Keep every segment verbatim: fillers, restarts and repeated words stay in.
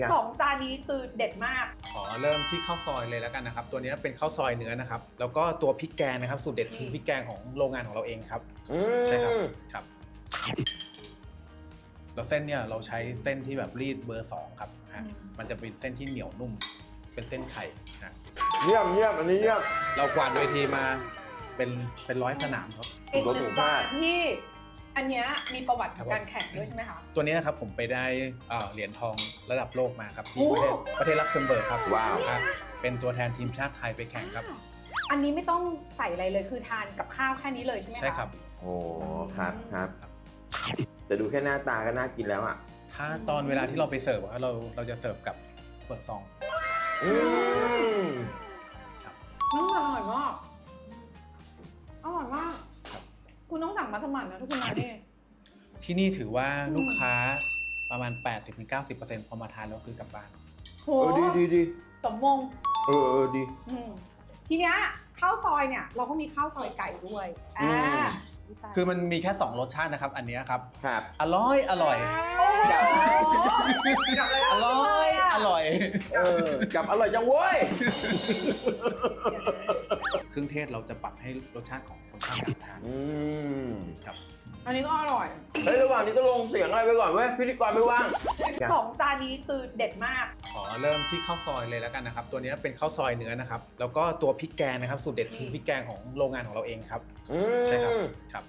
สองจานนี้คือเด็ดมากขอเริ่มที่ข้าวซอยเลยแล้วกันนะครับตัวนี้เป็นข้าวซอยเนื้อนะครับแล้วก็ตัวพริกแกงนะครับสูตรเด็ดคือพริกแกงของโรงงานของเราเองครับใช่ครับครับแล้วเส้นเนี่ยเราใช้เส้นที่แบบรีดเบอร์สองครับมันจะเป็นเส้นที่เหนียวนุ่มเป็นเส้นไข่นะเยี่ยมเยี่ยมอันนี้เยี่ยมเรากวาดเวทีมาเป็นเป็นร้อยสนามครับอีกหนึ่งจานที่อันนี้มีประวัติการแข่งด้วยใช่ไหมคะตัวนี้นะครับผมไปได้เหรียญทองระดับโลกมาครับที่ประเทศประเทศลักเซมเบิร์กครับว้าวเป็นตัวแทนทีมชาติไทยไปแข่งครับอันนี้ไม่ต้องใส่อะไรเลยคือทานกับข้าวแค่นี้เลยใช่ไหมคะใช่ครับโอ้ครับครับแต่ดูแค่หน้าตาก็น่ากินแล้วอ่ะถ้าตอนเวลาที่เราไปเสิร์ฟเราเราจะเสิร์ฟกับขวดซองอืมครับอืมอร่อยมากอร่อยมากคุณต้องสั่งมัสมั่นนะทุกคนนะนี่ที่นี่ถือว่าลูกค้าประมาณ แปดสิบถึงเก้าสิบเปอร์เซ็นต์ พอมาทานแล้วคือกลับบ้านโหดีดีดีสมมงเออเออดีทีเนี้ยข้าวซอยเนี่ยเราก็มีข้าวซอยไก่ด้วยอ่าคือมันมีแค่สองรสชาตินะครับอันนี้ครับครับอร่อยอร่อยกับอร่อยอร่อยเออกับอร่อยจังเว้ยเครื่องเทศเราจะปรับให้รสชาติของคนข้างอยากทานอืมครับอันนี้ก็อร่อยเฮ้ยระหว่างนี้ก็ลงเสียงอะไรไปก่อนเว้ยพิธีกรไม่ว่างสองจานนี้คือเด็ดมากขอเริ่มที่ข้าวซอยเลยแล้วกันนะครับตัวนี้เป็นข้าวซอยเนื้อนะครับแล้วก็ตัวพริกแกงนะครับสูตรเด็ดคือพริกแกงของโรงงานของเราเองครับใช่ครับครับ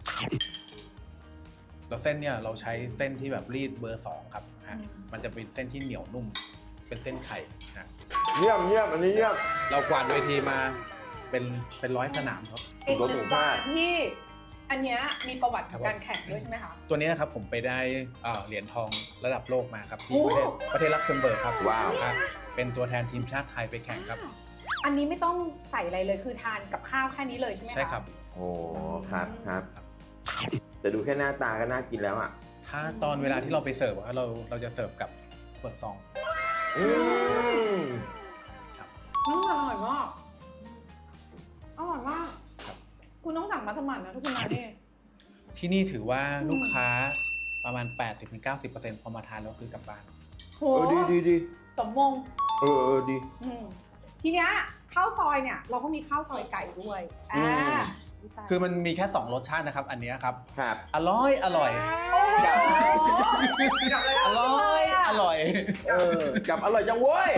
แล้วเส้นเนี่ยเราใช้เส้นที่แบบรีดเบอร์สองครับมันจะเป็นเส้นที่เหนียวนุ่มเป็นเส้นไข่นะเยี่ยมเยี่ยมอันนี้เยี่ยมเรากวาดเวทีมาเป็นเป็นร้อยสนามครับอีกหนึ่งจานที่อันนี้มีประวัติการแข่งด้วยใช่ไหมคะตัวนี้นะครับผมไปได้เหรียญทองระดับโลกมาครับที่ประเทศประเทศลักเซมเบิร์กครับว้าวเป็นตัวแทนทีมชาติไทยไปแข่งครับอันนี้ไม่ต้องใส่อะไรเลยคือทานกับข้าวแค่นี้เลยใช่ไหมคะใช่ครับโอ้ครับครับแต่ดูแค่หน้าตาก็น่ากินแล้วอ่ะถ้าตอนเวลาที่เราไปเสิร์ฟเราเราจะเสิร์ฟกับขวดซองอืมครับอืมอร่อยมากอร่อยมากคุณต้องสั่งมัสมั่นนะทุกคนนะนี่ที่นี่ถือว่าลูกค้าประมาณ แปดสิบถึงเก้าสิบเปอร์เซ็นต์ พอมาทานแล้วคือกลับบ้านโหดีดีดีสมมงเออเออดีทีเนี้ยข้าวซอยเนี่ยเราก็มีข้าวซอยไก่ด้วยอ่าคือมันมีแค่สองรสชาตินะครับอันนี้ครับครับอร่อยอร่อยกับอร่อยอร่อยเออกับอร่อยจังเว้ย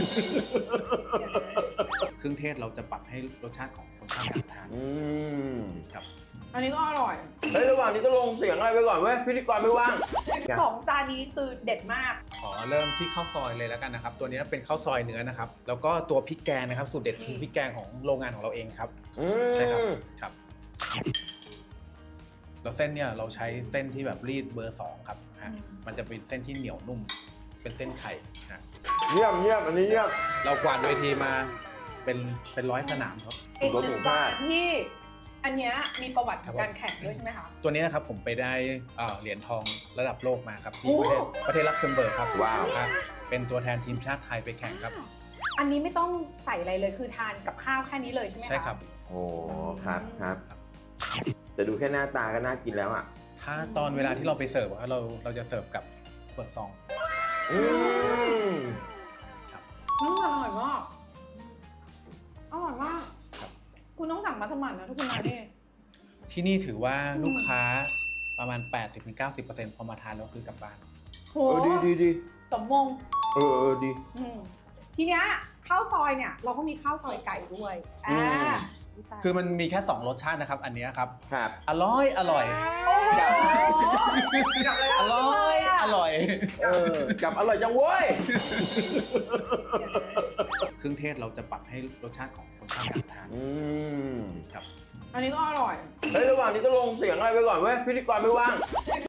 เครื่องเทศเราจะปรับให้รสชาติของคนข้างอยากทานอืมครับอันนี้ก็อร่อยเฮ้ยระหว่างนี้ก็ลงเสียงอะไรไปก่อนเว้ยพิธีกรไม่ว่างสองจานนี้คือเด็ดมากขอเริ่มที่ข้าวซอยเลยแล้วกันนะครับตัวนี้เป็นข้าวซอยเนื้อนะครับแล้วก็ตัวพริกแกงนะครับสูตรเด็ดคือพริกแกงของโรงงานของเราเองครับใช่ครับครับแล้วเส้นเนี่ยเราใช้เส้นที่แบบรีดเบอร์สองครับมันจะเป็นเส้นที่เหนียวนุ่มเป็นเส้นไข่นะเยี่ยมเยี่ยมอันนี้เยี่ยมเรากวาดเวทีมาเป็นเป็นร้อยสนามครับอีกหนึ่งจานที่อันนี้มีประวัติการแข่งด้วยใช่ไหมคะตัวนี้นะครับผมไปได้เหรียญทองระดับโลกมาครับที่ประเทศประเทศลักเซมเบิร์กครับว้าวเป็นตัวแทนทีมชาติไทยไปแข่งครับอันนี้ไม่ต้องใส่อะไรเลยคือทานกับข้าวแค่นี้เลยใช่ไหมคะใช่ครับโอ้ครับครับแต่ดูแค่หน้าตาก็น่ากินแล้วอ่ะถ้าตอนเวลาที่เราไปเสิร์ฟเราเราจะเสิร์ฟกับขวดซองอืมครับอืมอร่อยมากอร่อยมากคุณต้องสั่งมัสมั่นนะทุกคนนะนี่ที่นี่ถือว่าลูกค้าประมาณ แปดสิบถึงเก้าสิบเปอร์เซ็นต์ พอมาทานแล้วคือกลับบ้านโหดีดีดีสมมงเออเออดีทีเนี้ยข้าวซอยเนี่ยเราก็มีข้าวซอยไก่ด้วยอ่าคือมันมีแค่สองรสชาตินะครับอันนี้ครับครับอร่อยอร่อยกับอร่อยอร่อยเออกับอร่อยจังเว้ยเครื่องเทศเราจะปรับให้รสชาติของคนข้างอยากทานอืมครับอันนี้ก็อร่อยเฮ้ยระหว่างนี้ก็ลงเสียงอะไรไปก่อนเว้ยพิธีกรไม่ว่าง